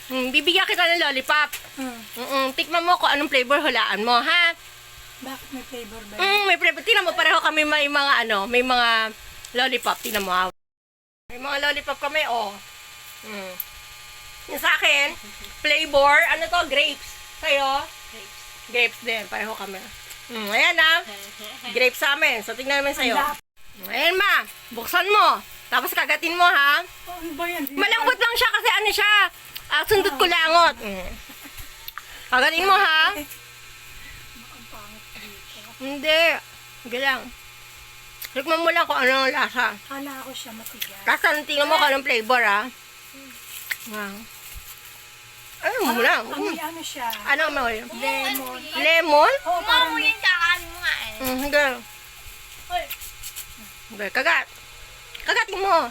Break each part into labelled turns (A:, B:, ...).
A: Bibigyan kita ng lollipop. Tikman mo kung anong flavor, hulaan mo, ha?
B: Bakit may flavor ba yun?
A: May flavor. Tingnan mo, pareho kami may mga may mga lollipop. Tingnan mo, ha? May mga lollipop kami, oh. Yung sa akin, flavor, ano to, grapes. Sa'yo? Grapes din, pareho kami. Ayan, ha? Grapes sa amin. So, tingnan namin sa'yo. Ayan, ma. Buksan mo. Tapos kagatin mo, ha?
B: Ano ba yan?
A: Malambot lang siya kasi ano siya. Sundot ko langot. Kagatin mo, ha? Hindi. Hindi lang. Tikman mo lang kung ano ang lasa.
B: Kala ko siya matigas.
A: Tapos tingnan mo kung anong flavor, ha? Ayun mo lang.
B: Ano siya?
A: Ano mo yun?
B: Lemon.
A: Lemon?
B: Oo, parang
C: Yung kakanin mo nga eh.
A: Hindi. Hindi. Kagat. Kagatin mo.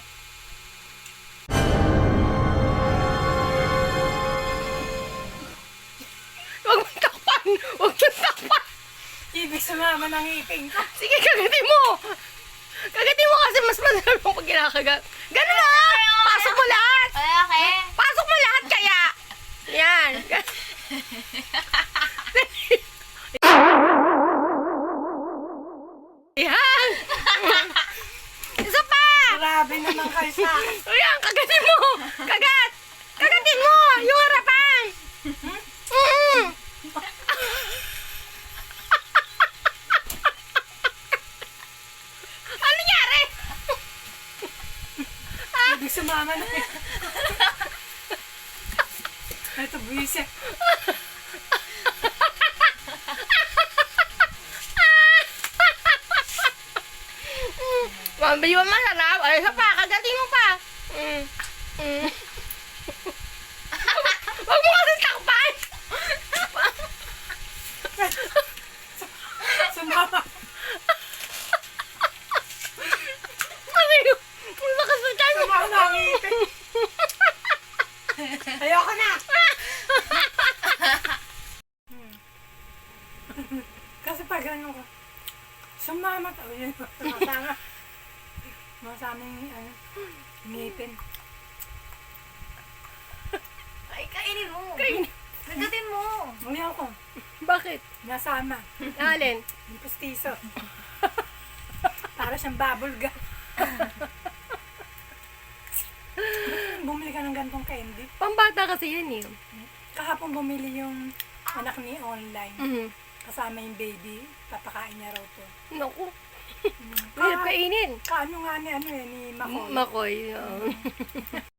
A: Huwag mo takpan. Huwag mo takpan.
B: ibig sumama ng iping ko.
A: Sige, kagatin mo. Kagatin mo kasi mas masarap yung pag kinakagat. Ganun na. Pasok mo lahat.
C: Okay.
A: Pasok mo lahat kaya. Yan. Yan. Isa pa.
B: Grabe naman kayo sa akin.
A: Ayan, kagatin mo. Kagat. Kagatin mo. Yung harapan. Ano nangyari?
B: Ibig sumama na. Ito, buwise.
A: Mabili mo masarap. Ay, isa pa. Kagatin mo pa. Huwag mo kasi takpan.
B: Sumama.
A: Ano yun? Ang lakas na dyan.
B: Sumama na ang iping. Ayoko na. Kasi pag ano ko, sumama to. Yun, sumasama. Masaming ngipin.
C: Ay, kainin mo.
A: Kainin.
C: Nagatin mo.
B: Ayoko.
A: Bakit?
B: Nasama.
A: Alin?
B: Yung pustiso. Para siyang bubble gum. Bumili ka ng gantong candy.
A: Pambata kasi yan eh.
B: Kahapon bumili yung anak ni online.
A: Mhm.
B: Kasama yung baby. Papakain niya raw to.
A: Naku. Hirap kainin.
B: Kaano nga ni Makoy.
A: Makoy.